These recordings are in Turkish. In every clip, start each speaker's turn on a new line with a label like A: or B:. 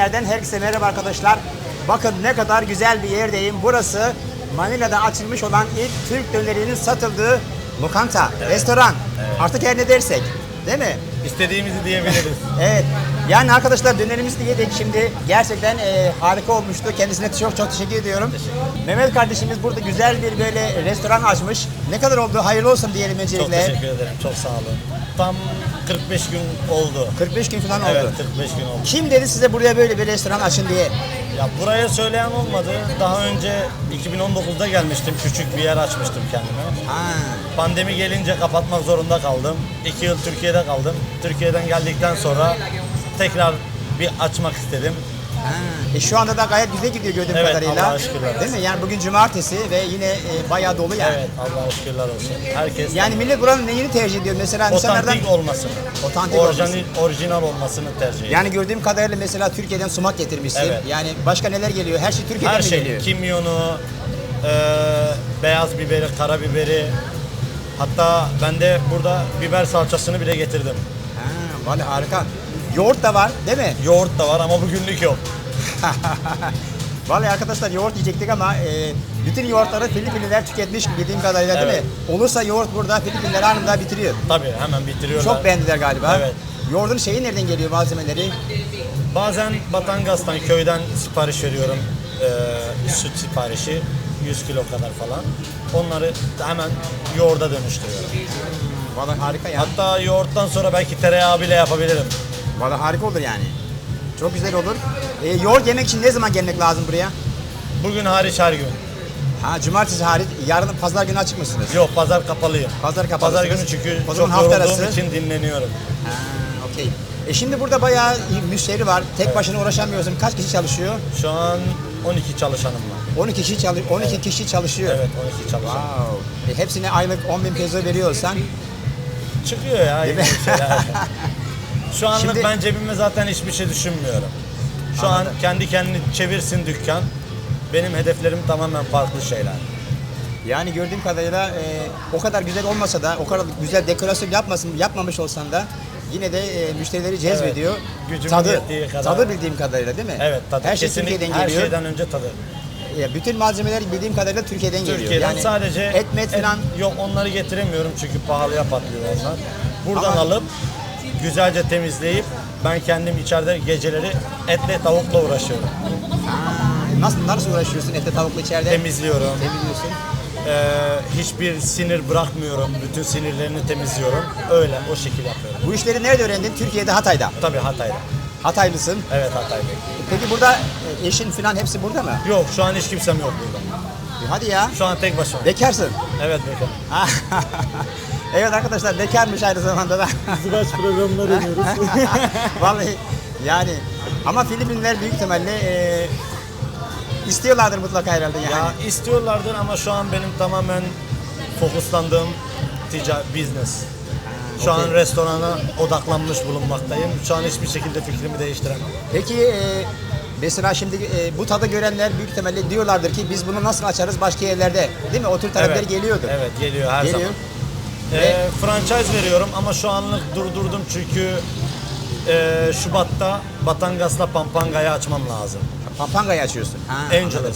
A: Filipinler'den herkese merhaba arkadaşlar. Bakın ne kadar güzel bir yerdeyim. Burası Manila'da açılmış olan ilk Türk dönerinin satıldığı lokanta, restoran. Artık her ne dersek, değil mi?
B: İstediğimizi diyebiliriz.
A: Evet. Yani arkadaşlar dönerimizi de yedik şimdi. Gerçekten harika olmuştu. Kendisine çok teşekkür ediyorum. Mehmet kardeşimiz burada güzel bir böyle restoran açmış. Ne kadar oldu? Hayırlı olsun diyelim öncelikle.
B: Çok teşekkür ederim. Çok sağ olun. Tam 45 gün oldu.
A: 45 gün falan oldu.
B: Evet, 45 gün oldu.
A: Kim dedi size buraya böyle bir restoran açın diye?
B: Ya buraya söyleyen olmadı. Daha önce 2019'da gelmiştim. Küçük bir yer açmıştım kendime.
A: Ha.
B: Pandemi gelince kapatmak zorunda kaldım. 2 yıl Türkiye'de kaldım. Türkiye'den geldikten sonra tekrar bir açmak istedim.
A: Ha. Şu anda da gayet güzel gidiyor gördüğüm
B: Evet,
A: kadarıyla.
B: Allah'a şükürler.
A: Değil mi? Yani bugün cumartesi ve yine bayağı dolu yani.
B: Evet, Allah'a şükürler olsun. Herkes
A: Yani millet buranın neyini tercih ediyor? Mesela insanlardan
B: otantik olmasını,
A: Otantik olmasını.
B: orijinal olmasını tercih ediyorum.
A: Yani gördüğüm kadarıyla mesela Türkiye'den sumak getirmişsin.
B: Evet.
A: Yani başka neler geliyor? Her şey Türkiye'den
B: Her
A: mi
B: şey,
A: geliyor?
B: kimyonu, beyaz biberi, karabiberi. Hatta ben de burada biber salçasını bile getirdim.
A: Ha, vallahi harika. Yoğurt da var, değil mi?
B: Yoğurt da var ama bugünlük yok.
A: Vallahi arkadaşlar yoğurt yiyecektik ama bütün yoğurtları Filipinliler tüketmiş bildiğim kadarıyla değil
B: Evet.
A: mi? Olursa yoğurt burada Filipinliler anında bitiriyor.
B: Tabii hemen bitiriyorlar.
A: Çok beğendiler galiba.
B: Evet.
A: Yoğurdun şeyi nereden geliyor malzemeleri?
B: Bazen Batangas'tan, köyden sipariş veriyorum. Süt siparişi. 100 kilo kadar falan. Onları hemen yoğurda dönüştürüyorum.
A: Vallahi harika ya.
B: Hatta yoğurttan sonra belki tereyağı bile yapabilirim.
A: Vallahi harika olur yani. Çok güzel olur. Yoğurt yemek için ne zaman gelmek lazım buraya?
B: Bugün hariç her gün.
A: Ha, cumartesi hariç, yarın pazar günü açık mısınız?
B: Yok, pazar kapalıyım.
A: Pazar kapalısınız.
B: Pazar günü çünkü
A: O zaman
B: çok
A: hafta
B: yorulduğum
A: arası.
B: için dinleniyorum.
A: Ha, okey. Şimdi burada bayağı müşteri var. Tek başına uğraşamıyorsun. Kaç kişi çalışıyor?
B: Şu an 12 çalışanım var.
A: 12 kişi çalışıyor.
B: Evet, 12 çalışan.
A: Wow. Hepsine aylık 10.000 peso veriyorsan.
B: Çıkıyor ya
A: Değil
B: yeni
A: mi?
B: şeyler. Şu anlık
A: Şimdi-
B: ben cebime zaten hiçbir şey düşünmüyorum. Şu
A: Anladım.
B: an kendi kendini çevirsin dükkan. Benim hedeflerim tamamen farklı şeyler.
A: Yani gördüğüm kadarıyla o kadar güzel olmasa da, o kadar güzel dekorasyon yapmamış olsan da yine de müşterileri cezbediyor.
B: Gücümün
A: Tadı,
B: yettiği kadar.
A: tadı bildiğim kadarıyla değil mi?
B: Evet, tadı.
A: Her şey
B: Kesinlikle
A: Türkiye'den
B: her
A: geliyor.
B: şeyden önce tadı.
A: Bütün malzemeler bildiğim kadarıyla Türkiye'den geliyor.
B: Türkiye'den
A: Yani
B: sadece
A: et falan.
B: yok, onları getiremiyorum çünkü pahalıya patlıyor onlar. Buradan
A: Ama-
B: alıp güzelce temizleyip ben kendim içeride geceleri etle tavukla uğraşıyorum.
A: Nasıl uğraşıyorsun etle tavukla içeride?
B: Temizliyorum.
A: Temizliyorsun.
B: Hiçbir sinir bırakmıyorum. Bütün sinirlerini temizliyorum. Öyle o şekil yapıyorum.
A: Bu işleri nerede öğrendin? Türkiye'de, Hatay'da.
B: Tabii Hatay'da.
A: Hataylısın.
B: Evet, Hatay'da.
A: Peki burada eşin falan hepsi burada mı?
B: Yok, şu an hiç kimsem yok burada.
A: Hadi ya.
B: Şu an tek başıma.
A: Bekarsın.
B: Evet, bekar.
A: Evet arkadaşlar, bekarmış aynı zamanda da.
C: Zıvaç programına dönüyoruz.
A: Vallahi yani ama Filipinliler büyük ihtimalle istiyorlardır mutlaka herhalde yani.
B: Ya istiyorlardır ama şu an benim tamamen fokuslandığım business. Şu an
A: okey.
B: restorana odaklanmış bulunmaktayım. Şu an hiçbir şekilde fikrimi değiştiremem.
A: Peki mesela şimdi bu tadı görenler büyük ihtimalle diyorlardır ki biz bunu nasıl açarız başka yerlerde, değil mi? O tür talepler geliyordur.
B: Evet, geliyor her
A: Geliyor.
B: zaman.
A: Ve-
B: Franchise veriyorum ama şu anlık durdurdum çünkü Şubat'ta Batangas'la Pampanga'yı açmam lazım.
A: Pampanga'yı açıyorsun. Ha,
B: Angeles.
A: anladım.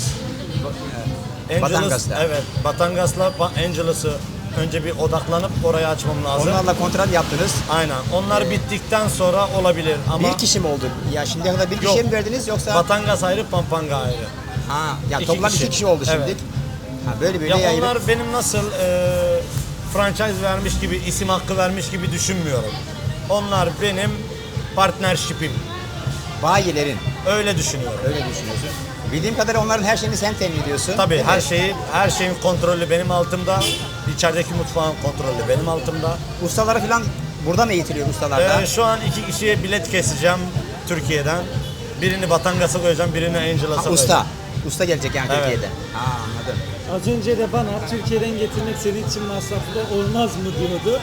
B: Angeles,
A: Batangas'ta.
B: evet. Batangas'la Angeles'ı önce bir odaklanıp oraya açmam lazım.
A: Onlarla kontrat yaptınız.
B: Aynen. Onlar bittikten sonra olabilir ama
A: Bir kişi mi oldu? Ya şimdiye kadar bir
B: Yok.
A: kişiye mi verdiniz yoksa?
B: Batangas ayrı, Pampanga ayrı.
A: Ha, ya
B: İki
A: toplam
B: kişi.
A: 2 kişi oldu şimdi.
B: Evet.
A: Ha, böyle
B: Ya
A: yayılıp.
B: onlar benim nasıl franchise vermiş gibi, isim hakkı vermiş gibi düşünmüyorum. Onlar benim partnership'im.
A: Bayilerin.
B: Öyle düşünüyorum.
A: Öyle düşünüyorsun. Bildiğim kadarıyla onların her şeyini sen temin ediyorsun.
B: Tabii
A: değil mi?
B: her şeyin kontrolü benim altımda. İçerideki mutfağın kontrolü benim altımda.
A: Ustaları falan burada mı eğitiliyor ustalarda?
B: Şu an 2 kişiye bilet keseceğim Türkiye'den. Birini Batangas'a koyacağım, birini Angeles'a koyacağım.
A: Usta. Usta gelecek yani
B: Evet.
A: Türkiye'de. Ha, anladım.
C: Az önce de bana Türkiye'den getirmek senin için masraflı olmaz mı diyordu.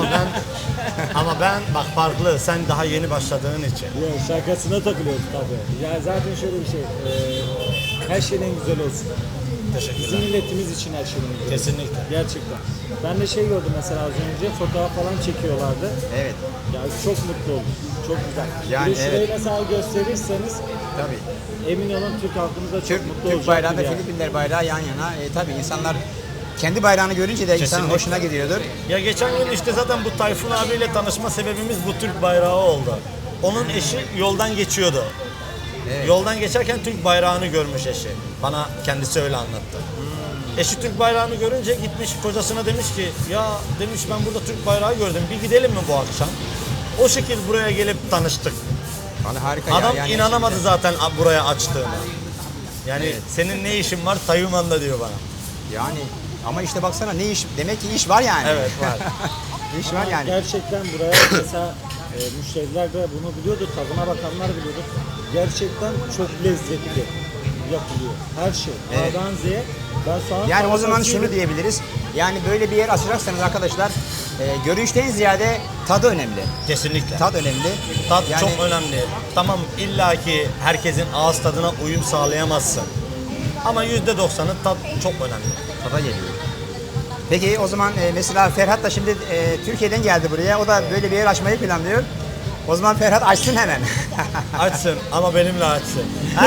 B: Ama ben bak farklı. Sen daha yeni başladığın için.
C: Ya şakasına takılıyoruz tabii. Ya zaten şöyle bir şey. Her şeyden güzel olsun.
B: teşekkürler.
C: Bizim milletimiz için her şeyini yapıyoruz.
B: Kesinlikle.
C: Gerçekten. Ben de şey gördüm mesela az önce fotoğraf falan çekiyorlardı.
A: Evet.
C: Ya çok mutlu oldum. Çok güzel.
A: Yani
C: bir de şurayı
A: evet.
C: mesela gösterirseniz
A: Tabii.
C: emin olun Türk halkımız da çok mutlu
A: Türk
C: olacak.
A: bayrağı ve Filipinler bayrağı yan yana. Tabii insanlar kendi bayrağını görünce de insanın
B: Kesinlikle.
A: hoşuna gidiyordur.
B: Ya geçen gün işte zaten bu Tayfun abiyle tanışma sebebimiz bu Türk bayrağı oldu. Onun eşi yoldan geçiyordu.
A: Evet.
B: Yoldan geçerken Türk bayrağını görmüş eşi. Bana kendisi öyle anlattı. Eşi Türk bayrağını görünce gitmiş kocasına demiş ki ya demiş ben burada Türk bayrağı gördüm bir gidelim mi bu akşam? O şekil buraya gelip tanıştık.
A: Vallahi harika
B: Adam
A: ya. Yani
B: inanamadı zaten buraya açtığına. Yani
A: Evet.
B: senin ne işin var Tayvan'da diyor bana.
A: Yani ama işte baksana ne iş, demek ki iş var yani.
B: Evet var.
A: İş var yani.
C: Gerçekten buraya mesela müşteriler de bunu biliyordur, tadına bakanlar biliyordur. Gerçekten çok lezzetli yapılıyor. Her şey.
A: Evet.
C: A'dan Z'ye. Ben soğan
A: Yani o zaman
C: salatasıyla-
A: şunu diyebiliriz. Yani böyle bir yer açacaksanız arkadaşlar görünüşten ziyade tadı önemli.
B: Kesinlikle.
A: Tat önemli.
B: Tat
A: Yani-
B: çok önemli. Tamam illaki herkesin ağız tadına uyum sağlayamazsın. Ama %90'ı tat çok önemli.
A: Tada geliyor. Peki o zaman mesela Ferhat da şimdi Türkiye'den geldi buraya. O da böyle bir yer açmayı planlıyor. O zaman Ferhat açsın hemen.
B: Açsın ama benimle açsın.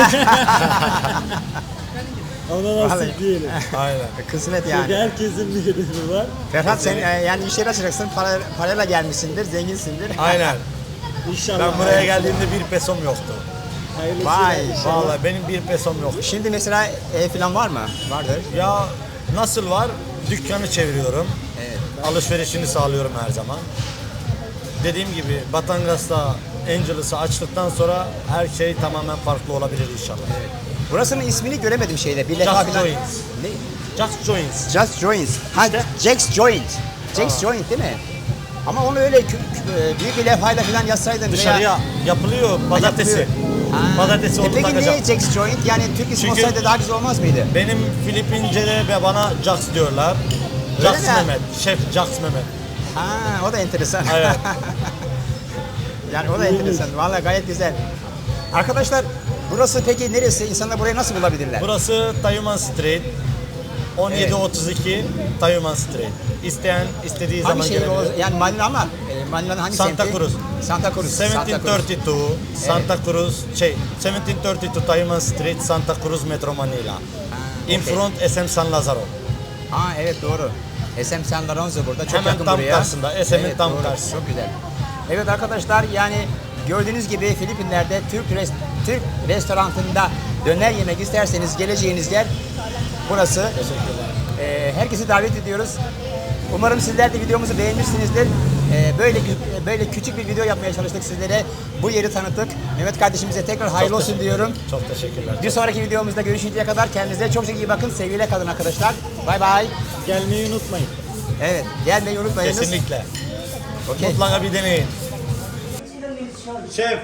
C: Ona
A: Vallahi.
C: nasip diyelim.
B: Aynen.
A: Kısmet
C: Çünkü
A: yani.
C: herkesin bir hedefi var.
A: Ferhat sen yani iş yeri açacaksın. Parayla gelmişsindir, zenginsindir.
B: Aynen.
C: İnşallah.
B: Ben buraya geldiğimde bir pesom yoktu.
C: Hayırlısıyla
A: Vay,
C: inşallah.
B: Vallahi benim bir pesom yok.
A: Şimdi mesela ev falan var mı? Vardır.
B: Ya nasıl var? Dükkanı çeviriyorum.
A: Evet.
B: Alışverişini sağlıyorum her zaman. Dediğim gibi Batangas'ta Angelus'ı açtıktan sonra her şey tamamen farklı olabilir inşallah.
A: Burasının ismini göremedim şeyde. Bir
B: Just
A: leka falan.
B: Joints.
A: Ne?
B: Just Joints.
A: Just Joints. Ha, Jack's Joint. Jack's Joint değil mi? Ama onu öyle büyük bir levhayla falan yazsaydın.
B: Dışarıya yapılıyor pazartesi. Pazartesi onu
A: Peki
B: takacağım.
A: niye Jack's Joint? Yani Türk ismi
B: Çünkü-
A: olsaydı daha güzel olmaz mıydı?
B: Benim Filipince'de ve bana Jax diyorlar.
A: Öyle
B: Jax
A: mi?
B: Mehmet. Şef Jax Mehmet.
A: Ha, o da enteresan.
B: Evet.
A: Yani o da enteresan. Vallahi gayet güzel. Arkadaşlar burası peki neresi? İnsanlar burayı nasıl bulabilirler?
B: Burası Tayuman Street. 1732 Tayuman Street. İsteyen istediği
A: Hangi
B: zaman
A: şehir o?
B: gelebilir.
A: Yani Manila ama Manila'nın hangi
B: Santa
A: semti?
B: Cruz.
A: Santa Cruz. Santa Cruz.
B: 1732 Santa Cruz 1732 Tayuman Street Santa Cruz Metro Manila. In
A: okey.
B: front SM San Lazaro.
A: Ha evet doğru. SM San Lorenzo burada çok
B: Hemen
A: yakın
B: tam
A: buraya.
B: karşısında, SM'in tam
A: doğru.
B: karşısı.
A: Çok güzel. Evet arkadaşlar yani gördüğünüz gibi Filipinler'de Türk restoranında döner yemek isterseniz geleceğiniz yer burası.
B: Teşekkürler.
A: Herkesi davet ediyoruz. Umarım sizler de videomuzu beğenmişsinizdir. Böyle küçük bir video yapmaya çalıştık sizlere. Bu yeri tanıttık. Mehmet kardeşimize tekrar hayırlı
B: Çok
A: olsun
B: teşekkür-
A: diyorum.
B: Çok teşekkürler.
A: Bir sonraki videomuzda görüşünceye kadar kendinize çok iyi bakın. Sevgiyle kalın arkadaşlar. Bay bay.
C: Gelmeyi unutmayın.
A: Evet, gelmeyi unutmayınız.
B: Kesinlikle.
A: Okay.
B: Mutlaka bir deneyin. Şef.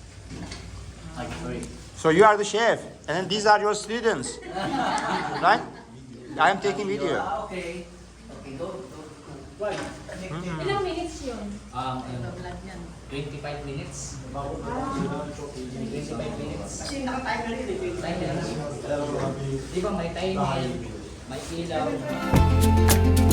A: So you are the chef, and then these are your students, right? I am taking video.
D: Okay. Okay, go.
E: Ilang minutes yun?
D: 25 minutes. 25 minutes. Timer. Di ba may timer, may ilaw.